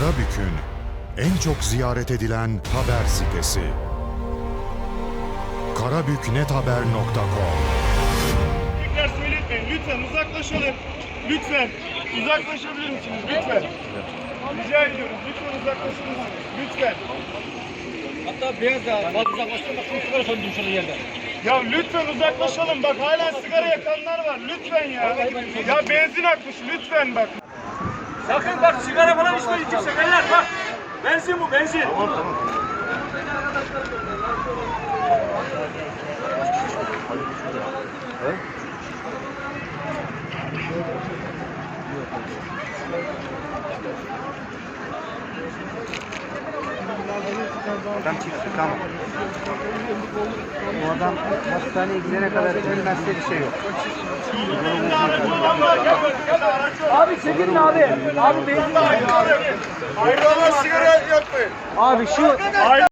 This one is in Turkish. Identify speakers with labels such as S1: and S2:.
S1: Karabük'ün en çok ziyaret edilen haber sitesi. karabüknethaber.com.
S2: Tekrar söyletmeyin. Lütfen uzaklaşalım. Lütfen. Uzaklaşabilir misiniz? Lütfen. Rica ediyorum. Lütfen uzaklaşır mısınız? Lütfen.
S3: Hatta beyaz da fazla uzaklaştırma bak şu sigara söndüm şurada yerde.
S2: Ya lütfen uzaklaşalım. Bak hala sigara yakanlar var. Lütfen ya. Ya benzin akmış. Lütfen bak.
S3: Sakın bak sigara falan içmeyin kimse beyler bak. Benzin bu benzin. Tamam tamam.
S4: Adam çıktı tamam. O adam hastaneye gidene kadar ölmezse bir şey yok.
S3: Abi çekin mi abi? Abi benzin.
S2: Hayrola sigara yakmayın.
S4: Abi şu